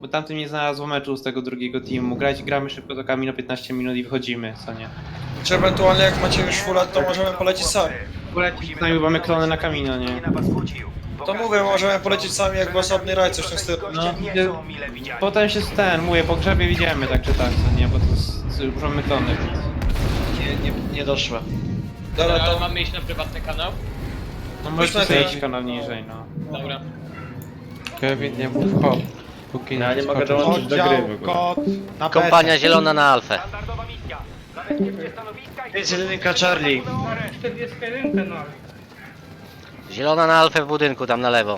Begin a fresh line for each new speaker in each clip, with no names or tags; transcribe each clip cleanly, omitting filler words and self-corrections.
Bo tamtym nie znalazło meczu z tego drugiego teamu. Gramy szybko do Kamino 15 minut i wychodzimy, co nie?
Czy ewentualnie jak macie już full, to możemy polecieć sami.
Polecić z nami, bo mamy klony na Kamino, nie?
To mówię, możemy polecieć sami jakby osobny rajd, coś w tym stylu.
No, potem się mówię, po grzebie widziemy tak czy tak, co nie? Bo to już mamy klony, więc...
Nie doszła.
Dobra,
Ale
to
mamy iść na prywatny kanał?
No możecie
na
sobie
chwilę.
iść kanał niżej, no.
Dobra.
Kevin, nie mów hop. Póki
Ja nie mogę
skoczysz.
dołączyć do gry w ogóle.
Kod na
Kompania zielona na Alfę.
Jest jedynka Charlie.
Zielona na Alfę w budynku, tam na lewo.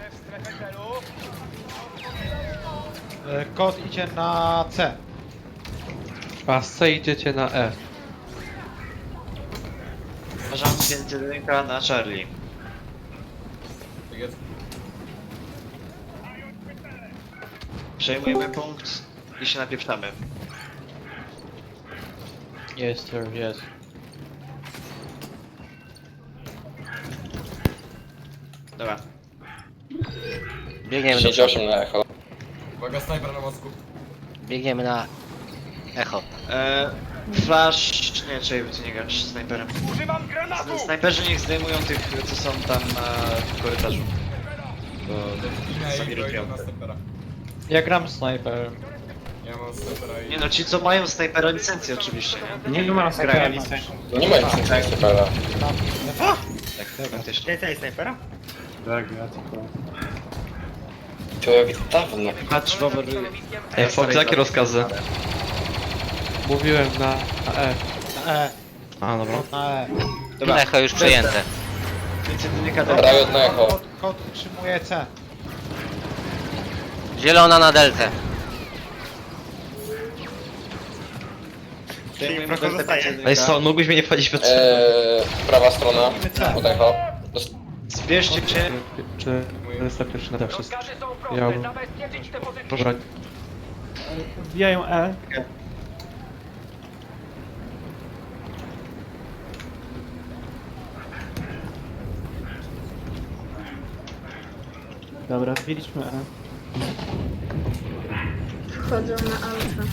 Kod idzie na C.
A z C idziecie na E.
Zarząd jest jedynka na Charlie. Przejmujemy punkt i się napieprzamy.
Jest, sir, jest.
Dobra.
Biegniemy do
68 na echo.
Biegniemy na echo.
Flash... Nie, czekaj, ty nie grasz snajperem. Snajperzy niech zdejmują tych, co są tam w korytarzu. Bo sami rotują.
Ja gram snajperem.
Nie no, ci co mają snajpera licencję oczywiście, nie?
Nie ma snajpera listy.
To nie ma nic snajpera.
Tak, faktycznie.
Człowiek dawno.
Patrz, Bober...
Ej, Fox, jakie rozkazy? Mówiłem na E.
Na E.
A, dobra.
Na E.
Dobra,
Echo już przejęte.
więc jedynka Delta.
Riot na echo.
Kod utrzymuje C.
Zielona na deltę.
Zdejmujemy Delta, więc jedynka.
Ej, Stone, mógłbyś mnie nie wchodzić pod
Prawa strona. Od echo.
Zbierzcie się.
401 na te wszystkie. Ja bym... Dobra,
Wbijają E. Dobra, wbiliśmy E.
Wchodzą na alfę.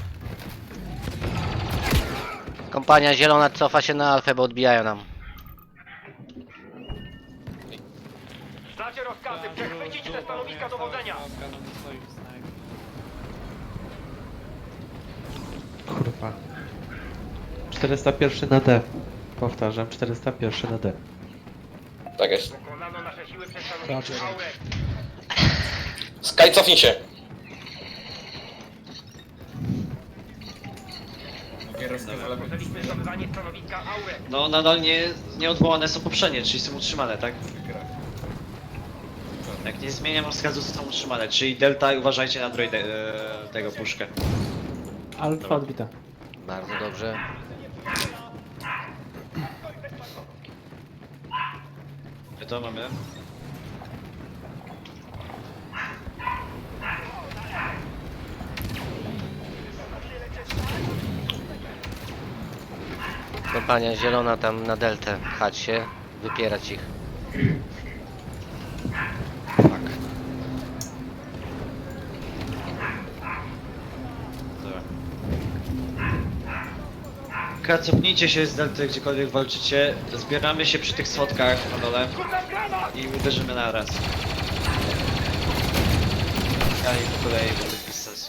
Kompania zielona cofa się na Alfę, bo odbijają nam.
Znacie rozkazy, przechwycić te stanowiska dowodzenia!
kurwa. 401 na D. Powtarzam, 401 na D.
Tak jest.
Pokonano nasze siły przez stanowisko Aurek.
Sky, cofnij się.
Rozpoczęliśmy zdobywanie stanowiska Aurek.
No nadal nie odwołane są poprzednie, czyli są utrzymane, tak? Jak nie zmieniam rozkazu, to są utrzymane, czyli Delta i uważajcie na droidę, tego puszkę.
Alfa odbita.
Bardzo dobrze.
To mamy.
Kompania zielona tam na deltę. Chać się, wypierać ich.
Dobra. Cofnijcie się z Delty, gdziekolwiek walczycie. Zbieramy się przy tych schodkach na dole i uderzymy na raz. Ja i po kolei, bo to bez sensu.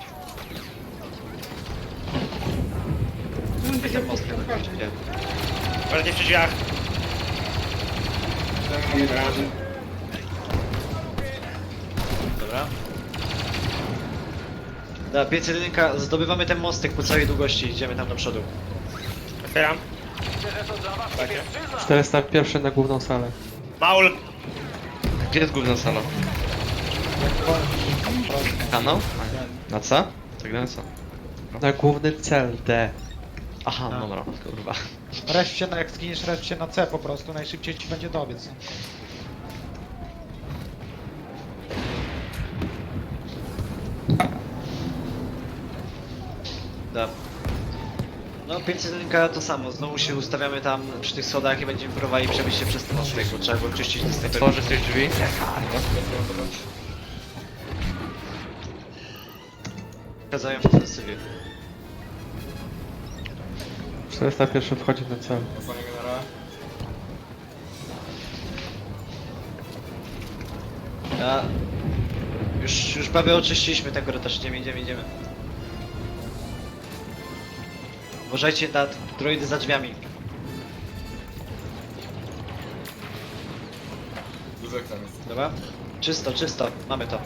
Takie mocne oczywiście.
Bardziej przy drzwiach.
Dobra. Dobra, piec jedynka, zdobywamy ten mostek po całej długości, idziemy tam do przodu.
Otwieram.
401 na główną salę.
Maul.
Gdzie jest główna sala? Kanał? Na C? Tak na co? Na główny cel D. Aha, dobra, kurwa.
Resp się na, jak zginiesz, resp się na C po prostu. Najszybciej ci będzie dobiec.
Dobra. No 501 to samo, znowu się ustawiamy tam przy tych schodach i będziemy próbowali przebić się przez ten mostek, bo trzeba było czyścić te snajperki.
Tworzy coś drzwi?
przeszkadzają w ofensywie.
401 wchodzi na cel.
A, już prawie oczyściliśmy ten korytarz, idziemy. Uważajcie na droidy za drzwiami. Dobra? Czysto, mamy to.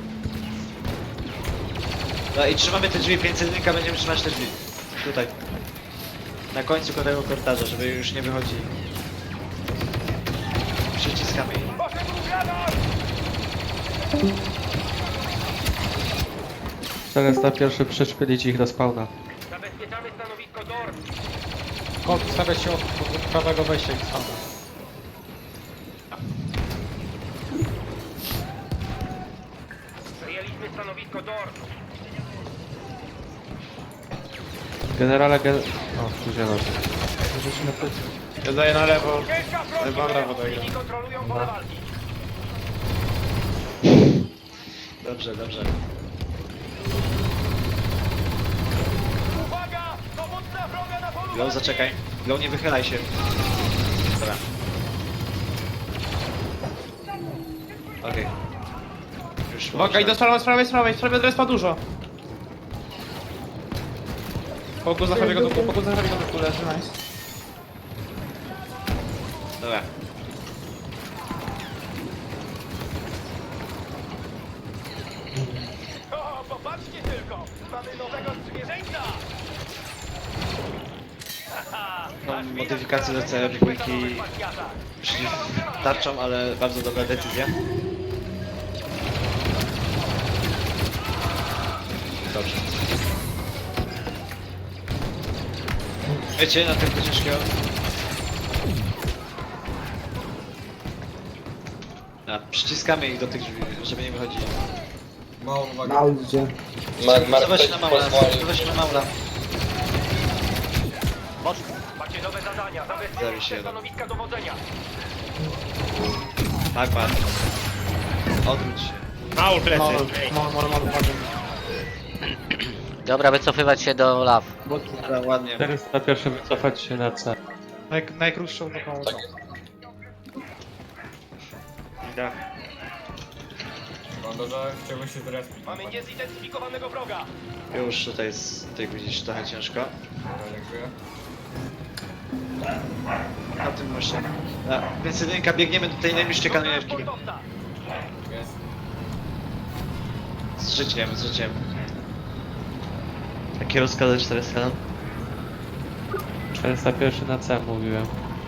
No i trzymamy te drzwi, 501 będziemy trzymać te drzwi. Tutaj. Na końcu tego korytarza, żeby już nie wychodzili. Przyciskamy ich.
401 przyszpylić ich do spawna.
Zabezpieczamy stanowisko DOR.
Kot stawia się od prawego wejścia i stąd.
Przejęliśmy stanowisko DOR.
Generale O, tu zielony.
Ja daję na lewo. Lewo, prawo daję.
I kontrolują pole walki.
Dobrze.
Uwaga! Dowódca wroga na polu
Glow, zaczekaj. Glow, nie wychylaj się. Dobra. Okej. Już
Uwaga, i do z prawej od respa dużo. Pokój za prawego dół, leży, nice.
Dobra.
O, popatrzcie tylko! Mamy nowego sprzymierzeńca!
No, modyfikacje do CR2 przeciw tarczą, ale bardzo dobra decyzja. Dobrze. Wiecie, na tym ciężkiego. A, przyciskamy ich do tych drzwi, żeby nie wychodzili.
Mark
Zobacz
ktoś
na maula,
pozwolił.
zobacz na maula.
Macie nowe zadania.
Zawi się
Zabezpieczcie
jeden.
stanowiska dowodzenia.
Magma. Odwróć się.
Maul plecy.
Dobra, wycofywać się do law.
Dobra, ładnie.
401 wycofać się na cel.
Najkrótszą taką.
Tak.
Mamy niezidentyfikowanego wroga.
Już tutaj widzisz trochę ciężko. Na tym właśnie. Więc jedynka, biegniemy do tej najbliższej kanonierki.
Sportowca.
Z życiem.
Jakie rozkazy 401? 401 na cel mówiłem.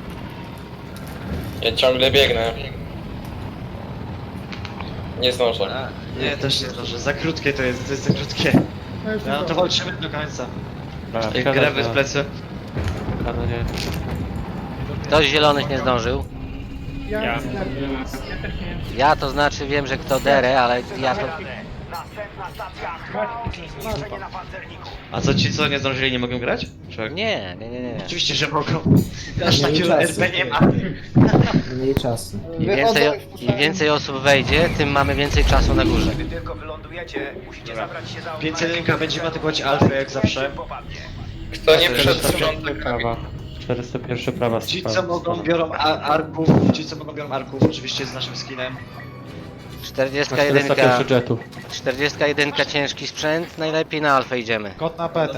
Ja ciągle biegnę. Nie zdążę.
Nie, też nie zdążę. Za krótkie to jest za krótkie. No to walczymy do końca.
Dobra,
Grewy z plecy.
Kanonie.
Ktoś z zielonych nie zdążył.
Ja.
Ja to znaczy wiem, że kto derę, ale ja to...
Następna stacja. Marzenie na pancerniku.
A co ci co nie zdążyli nie mogą grać? Czy...
Nie.
Oczywiście, że mogą. Aż takiego RP nie ma.
Im więcej osób wejdzie, tym mamy więcej czasu na górze.
Gdy tylko wylądujecie, musicie zabrać się za
501 będziemy atakować alfę jak zawsze.
Kto nie przed
401 prawa. 401 prawa
Ci co
strzał.
mogą biorą arków, oczywiście z naszym skinem.
41,
401 jetów.
41 ciężki sprzęt, najlepiej na alfę idziemy.
Kot na petę.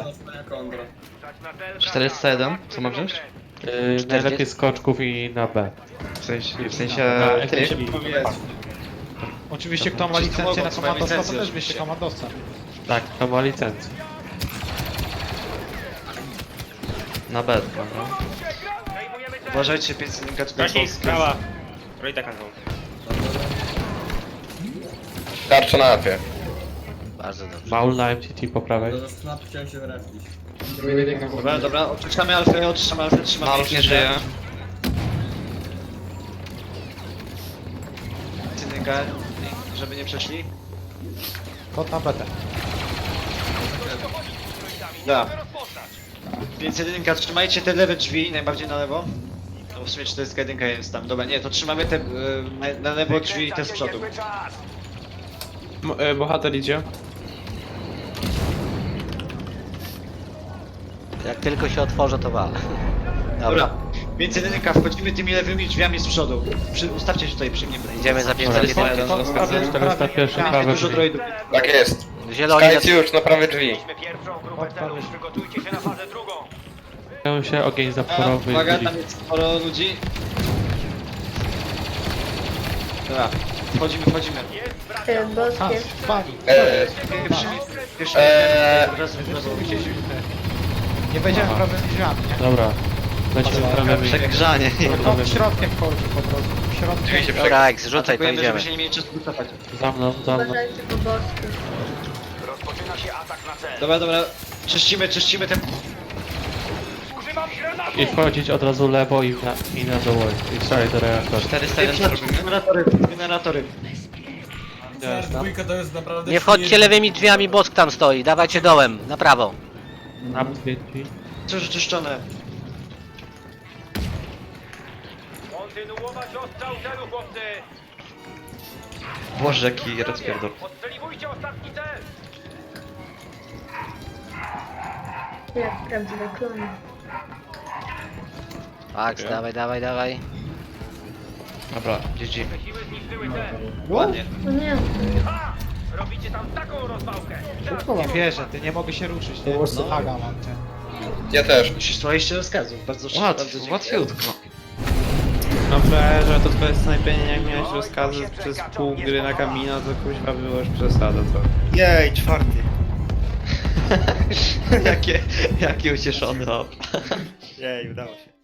401? Co ma wziąć? Najlepiej skoczków i na B. W sensie ty?
Oczywiście kto ma licencję na komandosła, to też wyście komandosem.
Tak, to ma licencję. Na B, prawda?
Uważajcie, 501 tutaj
Gaśnik,
Polska.
prawa. Droida kanał.
Tarcza na apie.
Bardzo dobrze.
Maul na MTT po prawej.
Dobra, oczyszczamy alfę, trzymamy
Maul nie żyje.
501, żeby nie przeszli.
Kot na petę.
Da. 501, trzymajcie te lewe drzwi, najbardziej na lewo. No w sumie 41 jest tam. Dobra, nie, to trzymamy te na lewo drzwi i te z przodu.
Bohater idzie.
Jak tylko się otworzę, to wal.
Dobra, więc jedynka, wchodzimy tymi lewymi drzwiami z przodu. Ustawcie się tutaj przy mnie.
Idziemy za
Dobra,
pięć
prawie, prawie pierwsze
Tam
prawe
dużo
drzwi.
droidów.
Tak jest.
Zieloni na...
Skajcie już na prawe drzwi.
Mieliśmy pierwszą grupę celów, przygotujcie się na fazę drugą.
Chciałem się ogień zaporowy
Uwaga,
i
tam jest sporo ludzi. Dobra, wchodzimy.
Jest
Ty,
bracia.
boskie.
Pani.
Pierwszy raz
Nie wejdziemy prawymi drzwiami, nie?
Dobra. Lecimy prawymi.
Przegrzanie.
To środkiem chodzi po prostu.
Drzwi się
Środkiem.
Dobra, jak zrzucaj, to
Atakujemy,
idziemy.
żeby się nie mieli czasu wycofać.
Za mną, za mną.
Uważajcie po boskich.
Rozpoczyna się atak na cel.
Dobra. Czyścimy ten...
Używam granatu!
I wchodzić od razu lewo i na dół. I strzelaj do reaktora.
401 robimy?
Generatory.
Nie wchodźcie lewymi drzwiami, bosk tam stoi. Dawajcie dołem, na prawo.
Nam dwie drzwi.
Co już czyszczone?
Kontynuować ostrzał celu, chłopcy!
Boże, jaki rozpierdol.
Odstrzeliwujcie ostatni cel!
Jak prawdziwe klony.
Max, dawaj.
Dobra, GG.
Siły zniszczyły cel.
Ładnie.
O nie.
Ha! Robicie tam taką rozwałkę!
Nie wierzę, ty nie mogę się ruszyć, nie? No. Aga mam cię.
Ja też.
Słuchaliście rozkazów, bardzo dziękuję.
Łatwiutko.
No że to twoje snajpienie, jak miałeś rozkazy przez pół gry na Kamino, to kuźwa było już przesada trochę.
Jej, czwarty.
Jakie ucieszony op.
Jej, udało się.